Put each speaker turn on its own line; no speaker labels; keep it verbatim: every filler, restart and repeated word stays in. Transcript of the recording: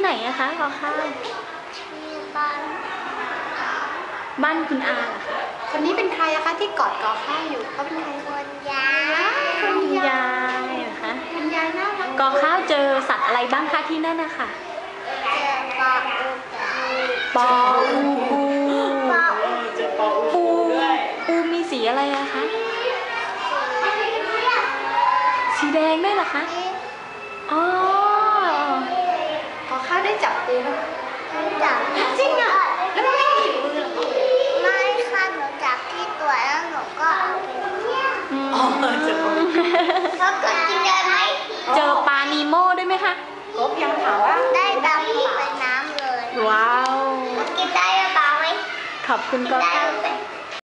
ไหนอะคะกอข้าว
ที่บ้าน
บ้านคุณอาเหรอคะ
คนนี้เป็นใครอะคะที่กอดกอข้าวอยู่เขาเป็นใคร
คนยาย
คุณยายเหรอคะ
คุณยายน่ารัก
กอข้าวเจอสัตว์อะไรบ้างคะที่นั่นนะคะ
เจอปลาอู
ปออูปู
ปลาอู
ปูปูมีสีอะไรอะคะสีแดงด้วยเหรอคะอ๋อก
อข้าวได้จับปูไหม
จับ
จริงอะแล้วมันไม่ติดมือหรอ
ไม่ค่ะหนูจับที่ตัวแล้วหนูก็เอาไปเที่ยว
อืม
เขาก็กินได้ไหม
เจอปลานีโม่ด้วยไหมคะ
กบยังถามว่า
ได้ดำลงไปน้ำเลย
ว้าว
กินได้หรือเปล่าไหม
ขอบคุณ
กิน
กอ
ได้
ข้าว
หรือเปล่า